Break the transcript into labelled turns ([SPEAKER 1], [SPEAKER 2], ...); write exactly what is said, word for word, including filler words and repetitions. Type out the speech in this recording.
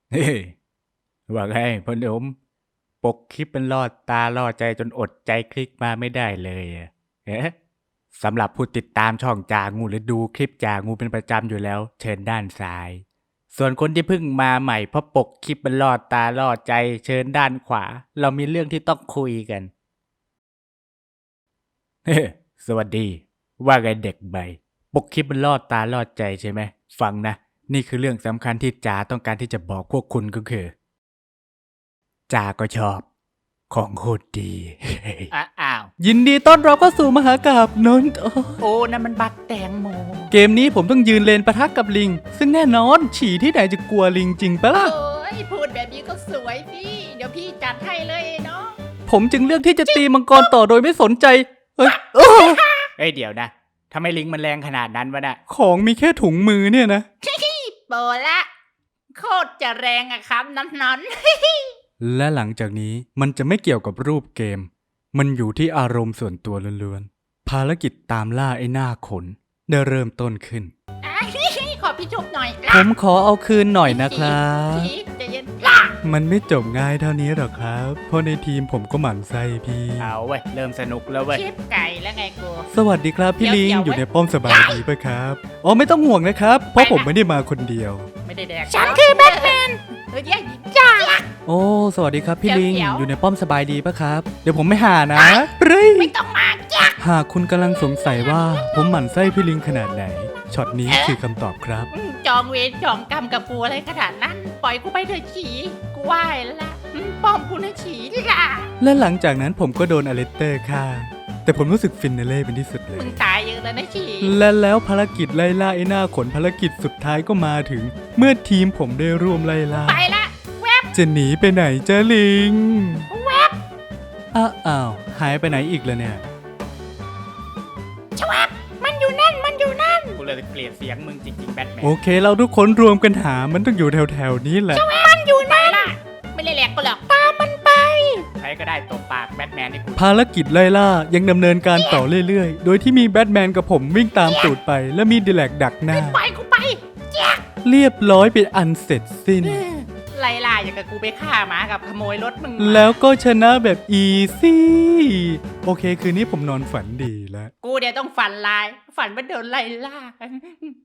[SPEAKER 1] เฮ้ยว่าไงพ่อหนุ่มปกคลิปมันล่อตาล่อใจจนอดใจคลิกมาไม่ได้เลยอะเอ๊ะสำหรับผู้ติดตามช่องจางูหรือดูคลิปจางูเป็นประจำอยู่แล้วเชิญด้านซ้ายส่วนคนที่เพิ่งมาใหม่เพราะปกคลิปมันล่อตาล่อใจเชิญด้านขวาเรามีเรื่องที่ต้องคุยกันเฮ้สวัสดีว่าไงเด็กใบปกคลิปมันล่อตาล่อใจใช่ไหมฟังนะนี่คือเรื่องสำคัญที่จาต้องการที่จะบอกพวกคุณก็คือจาก็ชอบของโคตรดี
[SPEAKER 2] อ้าอ้าว
[SPEAKER 1] ยินดีต้อนรับเข้าสู่มหากาพย์นนท์โอ้
[SPEAKER 2] โอ้นั่นมันบักแตงโม
[SPEAKER 1] เกมนี้ผมต้องยืนเลนปะทะกับลิง ซึ่งแน่นอนฉี่ที่ไหนจะกลัวลิงจริงปะล่ะ
[SPEAKER 2] โอ้ยพูดแบบนี้ก็สวยพี่ เดี๋ยวพี่จัดให้เลยเนาะ
[SPEAKER 1] ผมจึงเลือกที่จะตีมังกรต่อโดยไม่สนใจ เอ้ยโอ้เอ้ยเดี๋ยวนะทำไมลิงมันแรงขนาดนั้นวะน่ะของมีแค่ถุงมือเนี่ยนะ
[SPEAKER 2] โปละ โคตรจะแรงอะครับน้ำนอน
[SPEAKER 1] และหลังจากนี้มันจะไม่เกี่ยวกับรูปเกม มันอยู่ที่อารมณ์ส่วนตัวล้วนๆภารกิจตามล่าไอ้หน้าขนได้เริ่มต้นขึ้น
[SPEAKER 2] อ่ะขอพี่ชุบหน่อย
[SPEAKER 1] ผมขอเอาคืนหน่อยนะครับ
[SPEAKER 2] พี่ใจะเย็นล่ะ
[SPEAKER 1] มันไม่จบง่ายเท่านี้หรอกครับ เพราะในทีมผมก็หมั่นไส้พี่ เอาเว้ย เริ่มสนุกแล้วเว้ย
[SPEAKER 2] ชิปไก่แล้วไงกู
[SPEAKER 1] สวัสดีครับพี่ลิง
[SPEAKER 2] เดี๋ยวๆ
[SPEAKER 1] อยู่ในป้อมสบายดีปะครับ อ๋อไม่ต้องห่วงนะครับ เพราะผมไม่ได้มาคนเดียว
[SPEAKER 2] ไม่ได้แดกฉันคือแบทแมนเฮ้ยจ้า
[SPEAKER 1] โอ้ สวัสดีครับพี่ลิง
[SPEAKER 2] เดี๋ยวๆ
[SPEAKER 1] อยู่ในป้อมสบายดีปะครับ เดี๋ยวผมไม่หานะเฮ้ย
[SPEAKER 2] ไม่ต้องมาจ้า
[SPEAKER 1] หากคุณกำลังสงสัยว่าผมหมั่นไส้พี่ลิงขนาดไหน ช็อตนี้คือคำตอบครับ
[SPEAKER 2] อืมจองเวรจองกรรมกับกูอะไรขนาดนั้น ปล่อยกูไปเถอะฉีกูไหว้แล้วละอืมป้อมกูนะฉีดิล่ะ
[SPEAKER 1] และหลังจากนั้นผมก็โดนอเลสเตอร์ฆ่า แต่ผมรู้สึกฟินเนเล่เป็นที่สุดเล
[SPEAKER 2] มึ
[SPEAKER 1] ย
[SPEAKER 2] งตายเยอะแล้วนะฉี
[SPEAKER 1] และแล้วภารกิจไล่ล่าไอ้หน้าขนภารกิจสุดท้ายก็มาถึง เมื่อทีมผมได้ร่วมไล่ล่า
[SPEAKER 2] ไปละแวบ
[SPEAKER 1] จะหนีไปไหนเจ้าลิง
[SPEAKER 2] แวบ
[SPEAKER 1] อ้าวอ้าวหายไปไหนอีกแล้วเนี่ย
[SPEAKER 2] ชวับมันอยู่นั่นมันอยู่นั่นกูเลยเกลียดเสียงมึงจริงๆแบทแมน
[SPEAKER 1] โอเคเราทุกคนรวมกันหามันต้องอยู่แถวๆนี้แหละ
[SPEAKER 2] มันอยู่นั่นล่ะไม่ได้แหลกกูหรอกตามมันไปใครก็ได้ตบปากแบทแมนให้กู
[SPEAKER 1] ภารกิจไล่ล่ายังดำเนินการต่อเรื่อยๆ โดยที่มีแบทแมนกับผมวิ่งตามตูดไป และมีดีแลกดักหน้า
[SPEAKER 2] ปล่อยกูไปแจ๊ก
[SPEAKER 1] เรียบร้อยเป็นอันเสร็จสิ้น
[SPEAKER 2] ไล่ล่าอย่างกับกูไปฆ่าหมากับขโมยรถมึงมา
[SPEAKER 1] แล้วก็ชนะแบบอีซี่โอเคคืนนี้ผมนอนฝันดีแล้ว
[SPEAKER 2] กูเดี๋ยวต้องฝันลาย ฝันว่าโดนไล่ล่า